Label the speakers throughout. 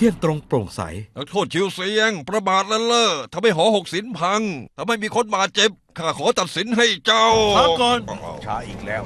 Speaker 1: ที่ยงตรงโปร่งใส
Speaker 2: นักโทษชิวเซียงประมาทละเล่อทำให้หอ6 ศิลป์พังทำให้มีคนบาดเจ็บข้าขอตัดสินให้เจ้า
Speaker 1: ช้าก่อน
Speaker 3: ช้าอีกแล้ว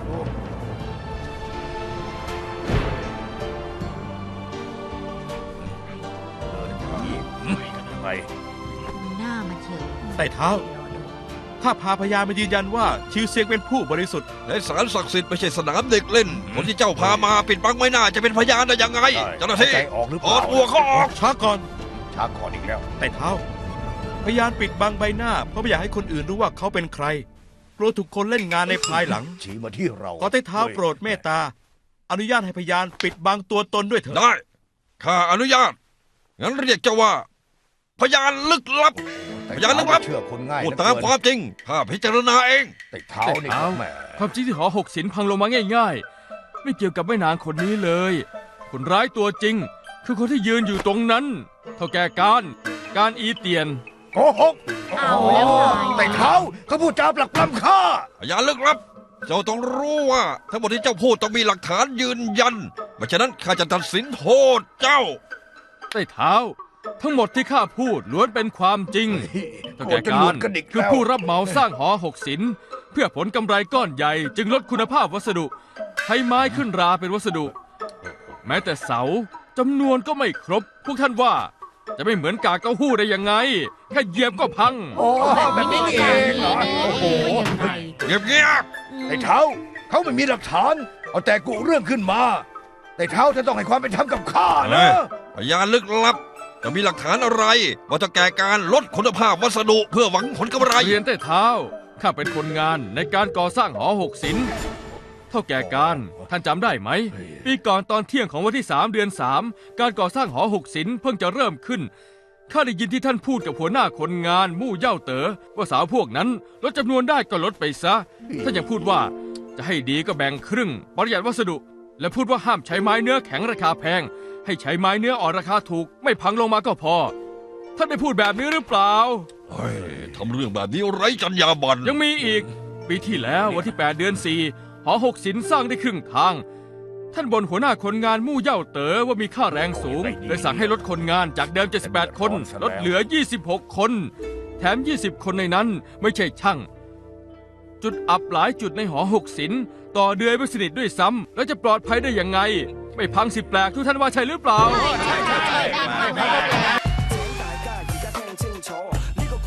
Speaker 3: ไป
Speaker 4: หน้ามันเฉียว
Speaker 1: ไต่เท้าข้าพาพยานมายืนยันว่าชิวเซียงเป็นผู้บริสุทธิ์
Speaker 2: ในศาลศักดิ์สิทธิ์ไม่ใช่สนามเด็กเล่นคนที่เจ้าพามาปิดบังไม่น่าจะเป็นพยานได้ยังไงเจ้าหน้าที่ถอดตัวเขาออก
Speaker 1: ช้าก่อน
Speaker 3: อีกแล้ว
Speaker 1: ไต่เท้าพยานปิดบังใบหน้าเพราะไม่อยากให้คนอื่นรู้ว่าเขาเป็นใครกลัวถูกคนเล่นงานในภายหลัง
Speaker 3: ชี้มาที่เรา
Speaker 1: ขอไต่เท้าโปรดเมตตาอนุญาตให้พยานปิดบังตัวตนด้วยเถิด
Speaker 2: ได้ข้าอนุญาตงั้นเรียกเจ้าว่าพยานลึกลับพยานลึกลับพูดตามความจริงข้าพิจารณาเอง
Speaker 3: ไต่เท้านี่แหม
Speaker 5: ความจริงที่หอ6 ศิลป์พังลงมาง่ายๆไม่เกี่ยวกับแม่นางคนนี้เลยคนร้ายตัวจริงคือคนที่ยืนอยู่ตรงนั้นเท่าแก่การอีเตียน
Speaker 3: โกหก
Speaker 4: เอาแล้วไง
Speaker 3: ไต่เท้าเขาพูดจาปลักปล้ำข้า
Speaker 2: พยานลึกลับเจ้าต้องรู้ว่าทั้งหมดที่เจ้าพูดต้องมีหลักฐานยืนยันไม่ฉะนั้นข้าจะตัดสินโทษเจ้า
Speaker 5: ไต่เท้าทั้งหมดที่ข้าพูดล้วนเป็นความจริงเท่าแก่การคือผู้รับเหมาสร้างหอ6 ศิลป์เพื่อผลกำไรก้อนใหญ่จึงลดคุณภาพวัสดุใช้ไม้ขึ้นราเป็นวัสดุ แม้แต่เสาจำนวนก็ไม่ครบพวกท่านว่าจะไม่เหมือนกากเต้าหู้ได้ยังไงแค่เหยียบก็พัง
Speaker 3: แบบนี้เองเหรอโอ้โห
Speaker 2: เงียบ
Speaker 3: ไต่เท้าเขาไม่มีหลักฐานเอาแต่กุเรื่องขึ้นมาไต่เท้าจะต้องให้ความเป็นธรรมกับข้านะ
Speaker 2: พยานลึกลับจะมีหลักฐานอะไรว่าจะแก่การลดคุณภาพวัสดุเพื่อหวังผลกำไร
Speaker 5: เรียนไต่เท้าข้าเป็นคนงานในการก่อสร้างหอ6 ศิลป์เท่าแก่การท่านจำได้ไหมปีก่อนตอนเที่ยงของวันที่3 เดือน 3การก่อสร้างหอ6 ศิลป์เพิ่งจะเริ่มขึ้นข้าได้ยินที่ท่านพูดกับหัวหน้าคนงานมู่เย่าเต๋อว่าสาวพวกนั้นลดจำนวนได้ก็ลดไปซะท่านยังพูดว่าจะให้ดีก็แบ่งครึ่งประหยัดวัสดุและพูดว่าห้ามใช้ไม้เนื้อแข็งราคาแพงให้ใช้ไม้เนื้ออ่อนราคาถูกไม่พังลงมาก็พอท่านได้พูดแบบนี้หรือเปล่า
Speaker 2: ทำเรื่องแบบนี้ไร้จรรยาบรรณ
Speaker 5: ยังมีอีกปีที่แล้ววันที่8 เดือน 4หอ6 ศิลป์สร้างได้ครึ่งทางท่านบ่นหัวหน้าคนงานมู่เย่าเต๋อว่ามีค่าแรงสูงเลยสั่งให้ลดคนงานจากเดิม78 คนลดเหลือ26 คนแถม20 คนในนั้นไม่ใช่ช่างจุดอับหลายจุดในหอ6 ศิลป์ต่อเดือยไม่สนิทด้วยซ้ำแล้วจะปลอดภัยได้ยังไงไม่พังสิแปลกทุกท่านว่าใช่หรือเปล่า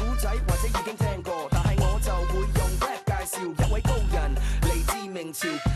Speaker 6: 笑一位高人，嚟自明朝。